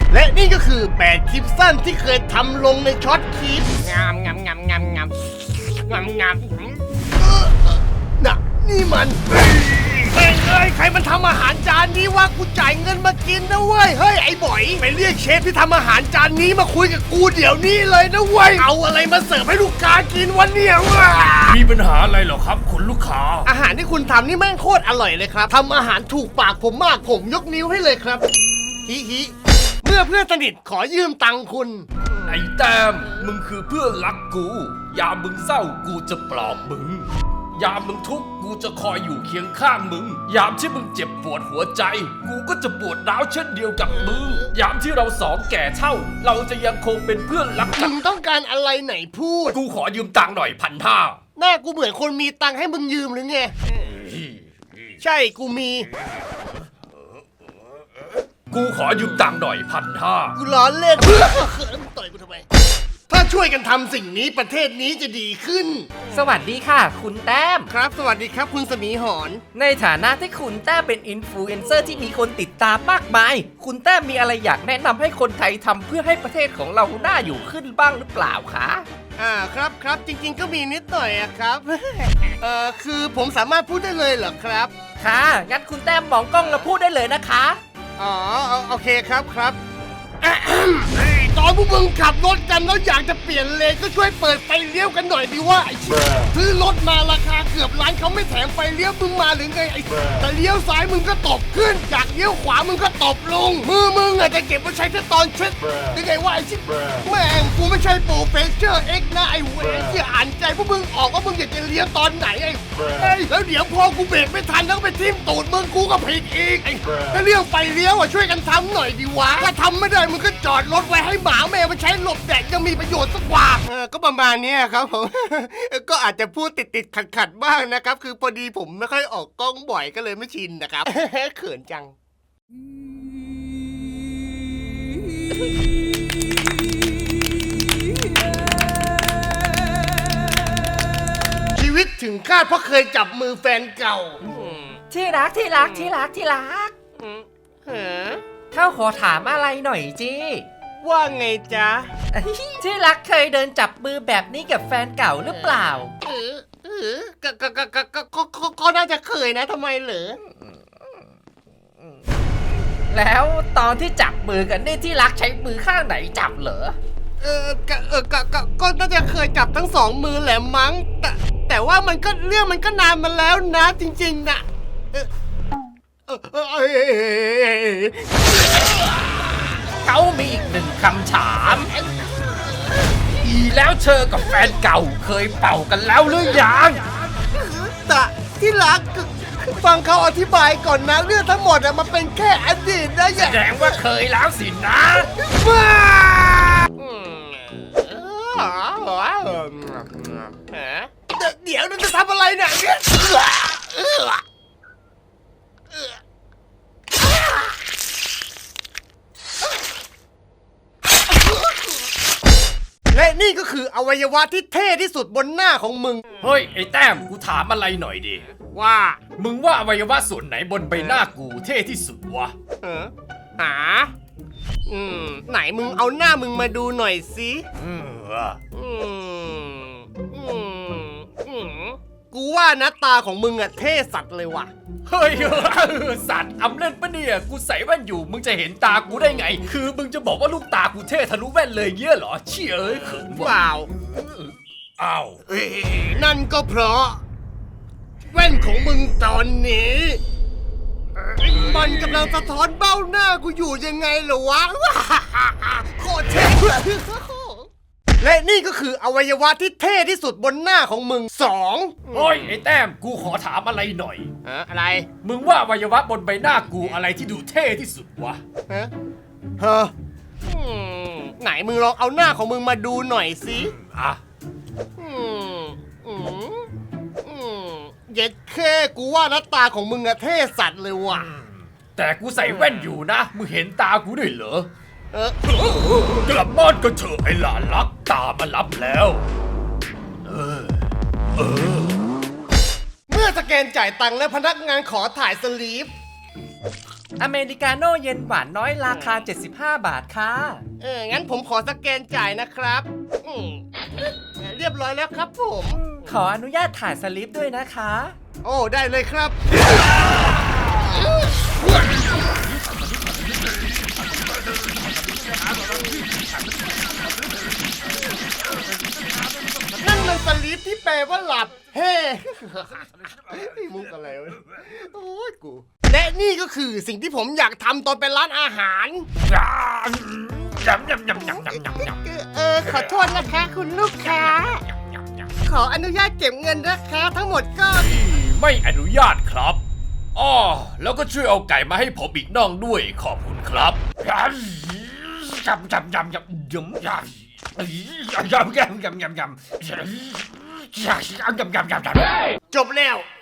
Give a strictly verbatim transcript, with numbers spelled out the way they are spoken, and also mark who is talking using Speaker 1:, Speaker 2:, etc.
Speaker 1: และนี่ก็คือแปดคลิปสั้นที่เคยทำลงในช็อตคลิปงามงามงามงามงามงามงามน่ะนี่มันเฮ้ยเอ้ยใครมันทำอาหารจานนี้วะกูจ่ายเงินมากินนะเว้ยเฮ้ยไอ้บ่อยไปเรียกเชฟที่ทำอาหารจานนี้มาคุยกับกูเดี๋ยวนี้เลยนะเว้ยเอาอะไรมาเสิร์ฟให้ลูกค้ากินวันนี้วะ
Speaker 2: มีปัญหาอะไรเหรอครับคุณลูกค้า
Speaker 1: อาหารที่คุณทำนี่แม่งโคตรอร่อยเลยครับทำอาหารถูกปากผมมากผมยกนิ้วให้เลยครับฮิฮิเมื่อเพื่อนสนิทขอยืมตังค์คุณ
Speaker 2: ไอ้แต้มมึงคือเพื่อนรักกูยามมึงเศร้ากูจะปลอบมึงยามมึงทุกข์กูจะคอยอยู่เคียงข้างมึงยามที่มึงเจ็บปวดหัวใจกูก็จะปวดร้าวเช่นเดียวกับมึงยามที่เราสองแก่เท่าเราจะยังคงเป็นเพื่อนรักกั
Speaker 1: มึ
Speaker 2: น
Speaker 1: งต้องการอะไรไหนพูด
Speaker 2: กูขอยืมตังค์หน่อยพันห้า
Speaker 1: หน้ากูเหมือนคนมีตังค์ให้มึงยืมหรือไงใช่กูมี
Speaker 2: กูขอยืมตังค์หน่อยพันห้า
Speaker 1: กูล้อเล่นต่อยกูทำไมถ้าช่วยกันทำสิ่งนี้ประเทศนี้จะดีขึ้น
Speaker 3: สวัสดีค่ะ คุณแต้ม
Speaker 1: ครับสวัสดีครับคุณสมีหอน
Speaker 3: ในฐานะที่คุณแต้มเป็นอินฟลูเอนเซอร์ที่มีคนติดตามมากมาย คุณแต้มมีอะไรอยากแนะนำให้คนไทยทำเพื่อให้ประเทศของเราน่าอยู่ขึ้นบ้างหรือเปล่าคะ
Speaker 1: อ่าครับครับจริงๆก็มีนิดหน่อยอะครับ เอ่อคือผมสามารถพูดได้เลยเหรอครับ
Speaker 3: ค่ะงั้นคุณแต้มมองกล้องแล้วพูดได้เลยนะคะ
Speaker 1: อ๋อโอเคครับครับอะแอมเฮ้ยตอนพวกมึงขับรถกันแล้วอยากจะเปลี่ยนเลนก็ช่วยเปิดไฟเลี้ยวกันหน่อยดิว่าไอ้ชิบซื้อรถมาราคาเกือบล้านเขาไม่แถมไฟเลี้ยวมึงมาหรือไงไอ้แต่เลี้ยวซ้ายมึงก็ตบขึ้นอยากเลี้ยวขวามึงก็ตบลงมือมึงอาจจะเก็บไว้ใช้แค่ตอนเช็ดยังไงว่าไอ้ชิบแม่งกูไม่ใช่โปรเฟสเจอร์เอ็กนะไอ้เว้ยที่อ่านใจพวกมึงออกว่ามึงอยากจะเลี้ยวตอนไหนไอ้เฮ้ยแล้วเดี๋ยวพอกูเบรกไม่ทันแล้วไปทิ่มตูดมึงกูก็ผิดอีกไอ้ถ้าเลี้ยวไฟเลี้ยวอ่ะช่วยกันทำหน่อยดิวะถ้าทำไม่ได้มึงก็จอดรถไว้ให้หมาแมวมันใช้หลบแดดยังมีประโยชน์สักกว่าเออก็ประมาณนี้ครับผม ก็อาจจะพูดติดติดขัดขัดๆบ้างนะครับคือพอดีผมไม่ค่อยออกกล้องบ่อยก็เลยไม่ชินนะครับ เขินจัง ชีวิตถึงคาดเพราะเคยจับมือแฟนเก่า
Speaker 3: ที่รักที่รักที่รักที่รัก
Speaker 1: เออ
Speaker 3: เข้าขอถามอะไรหน่อยจี
Speaker 1: ว่าไงจ๊ะ
Speaker 3: ที่รักเคยเดินจับมือแบบนี้กับแฟนเก่าหรือเปล่า
Speaker 1: เออเออก็ก็ก็ก็ก็ก็ก็ก็น่าจะเคยนะทำไมเหรอ
Speaker 3: แล้วตอนที่จับมือกันนี่ที่รักใช้มือข้างไหนจับเหรอ
Speaker 1: เออก็เออก็ก็ก็น่าจะเคยจับทั้งสองมือแหละมั้งแต่แต่ว่ามันก็เรื่องมันก็นานมาแล้วนะจริงๆนะเออเออเออเออ
Speaker 3: เขามีอีกหนึ่งคำถามอีแล้วเธอกับแฟนเก่าเคยเป่ากันแล้วหรือยัง
Speaker 1: แต่ที่รักฟังเขาอธิบายก่อนนะเรื่องทั้งหมดอะมันเป็นแค่อดีตนะอ
Speaker 3: แส
Speaker 1: ย่า
Speaker 3: ดงว่าเคยแล้วสินะ
Speaker 1: บ้าเดี๋ยวเราจะทำอะไรเนี่ยและนี่ก็คืออวัยวะที่เท่ที่สุดบนหน้าของมึง
Speaker 2: เฮ้ยไอ้แต้มกูถามอะไรหน่อยดิ
Speaker 1: ว่า
Speaker 2: มึงว่าอวัยวะส่วนไหนบนใบหน้ากูเท่ที่สุดวะ
Speaker 1: เออหาอืมไหนมึงเอาหน้ามึงมาดูหน่อยสิ
Speaker 2: อืม
Speaker 1: อืมอืมอืมกูว่านะตาของมึงอะเท่สัตว์เลยว่ะ
Speaker 2: เฮ้ยสัตว์อำเล่นปะเนี่ยกูใส่แว่นอยู่มึงจะเห็นตากูได้ไง คือมึงจะบอกว่าลูกตากูเท่ทะลุแว่นเลยเงี้ยเหรอเชี่ยเอ้ยเขิน
Speaker 1: เป
Speaker 2: ว่ะ
Speaker 1: ล่า
Speaker 2: อ้าว
Speaker 1: เอ้ยนั่นก็เพราะ แว่นของมึงตอนนี้มันกำลังสะท้อนเบ้าหน้ากูอยู่ยังไงเหรอวะ โคตรเท่และนี่ก็คืออวัยวะที่เท่ที่สุดบนหน้าของมึงสอง
Speaker 2: เฮ้ยไอ้แต้มกูขอถามอะไรหน่อย
Speaker 1: อะอะไร
Speaker 2: มึงว่าอวัยวะบนใบหน้ากูอะไรที่ดูเท่ที่สุดวะ
Speaker 1: ฮะฮะอืมไหนมึงลองเอาหน้าของมึงมาดูหน่อยสิ
Speaker 2: อ่ะ
Speaker 1: อืมอืมอืมเย็ดแค่กูว่าหน้าตาของมึงอะเท่สัตว์เลยว่ะ
Speaker 2: แต่กูใส่แว่นอยู่นะมึงเห็นตากูด้วยเหรอ
Speaker 1: เออ
Speaker 2: กลับบ้านก็เถอะไอ้หลานรักตามารับแล้ว เออ เออ
Speaker 1: เมื่อสแกนจ่ายตังค์และพนักงานขอถ่ายสลีป
Speaker 3: อเมริกาโน่เย็นหวานน้อยราคา เจ็ดสิบห้า บาทค่ะ
Speaker 1: เออ งั้นผมขอสแกนจ่ายนะครับอืมเรียบร้อยแล้วครับผม
Speaker 3: ขออนุญาตถ่ายสลิปด้วยนะคะ
Speaker 1: โอ้ ได้เลยครับ นั่นมันสลิปที่แปลว่าหลับ เฮ้ มุกอะไรวะ โอ้ยกู และนี่ก็คือสิ่งที่ผมอยากทำตอนเป็นร้านอาหาร
Speaker 2: ยำยำยำยำยำยำยำ
Speaker 1: เออ ขอโทษนะคะคุณลูกค้า ขออนุญาตเก็บเงินนะคะทั้งหมดก็
Speaker 2: ไม่อนุญาตครับอ้อแล้วก็ช่วยเอาไก่มาให้ผมอีกน่องด้วยขอบคุณครับยำยำยำยำยำยำยำยำยำยำยำยำยำยำยำยำยำ
Speaker 1: จบแล้ว